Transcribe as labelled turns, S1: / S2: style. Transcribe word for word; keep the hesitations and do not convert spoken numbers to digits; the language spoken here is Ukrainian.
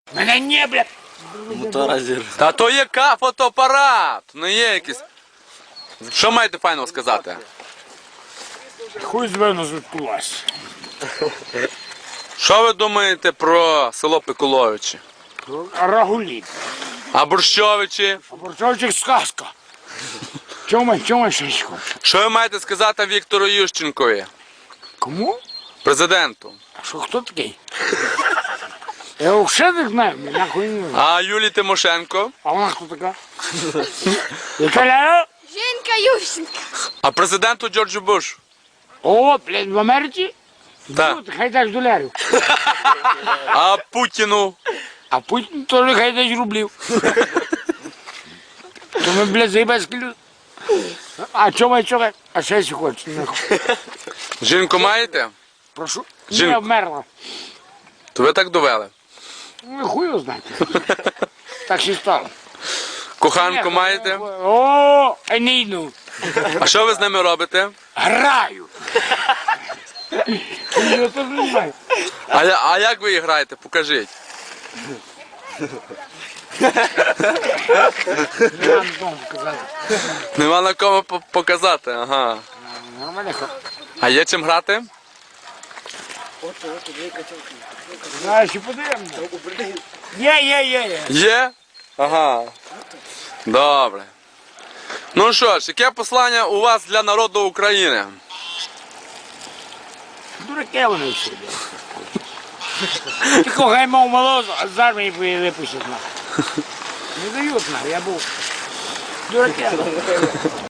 S1: Мене не, блядь.
S2: Мотора зір.
S3: Та то є ка- фотоапарат, не є якийсь. Що маєте файного сказати?
S1: Хуй з мене звідкулась.
S3: Що ви думаєте про село Пикуловичі?
S1: Рагуліт.
S3: А Борщовичі?
S1: А Борчовчик сказка. Чому, чому ще хочеш?
S3: Що ви маєте сказати Віктору Ющенкові,
S1: Кому?
S3: президенту?
S1: А що, хто такий? Я його ще не знаю, мені нахуй не знаю.
S3: А Юлії Тимошенко?
S1: А вона хто така? Італія?
S4: Женька Ющенко.
S3: А президенту Джорджу Бушу?
S1: О, блядь, в Америці?
S3: Так.
S1: Ну, хай дасть долярів.
S3: А Путіну?
S1: А Путін теж хай дасть рублів. То ми, блядь, заїбацькі люди. А чому, чого? А ще сі хочеш? нахуй.
S3: Жінку маєте?
S1: Прошу.
S3: Жінку.
S1: Не вмерла.
S3: То ви так довели.
S1: Ну, хуй його знаєте. Так ще стало.
S3: Коханку маєте?
S1: О, а не йду.
S3: А що ви з ними робите?
S1: Граю. Я теж не знаю.
S3: А, я- а як ви її граєте? Покажіть.
S1: Не вам дому казати.
S3: Нема на кому по- показати, ага.
S1: Нормально.
S3: А є чим грати?
S1: Знаєш, і подивимося. Є, є, є, є.
S3: Є? Ага. Добре. Ну що ж, яке послання у вас для народу України?
S1: Дураки вони всі. Тільки хай мав молозу, а з армії випустять нахуй. Не дають нахуй, я був. Дураки.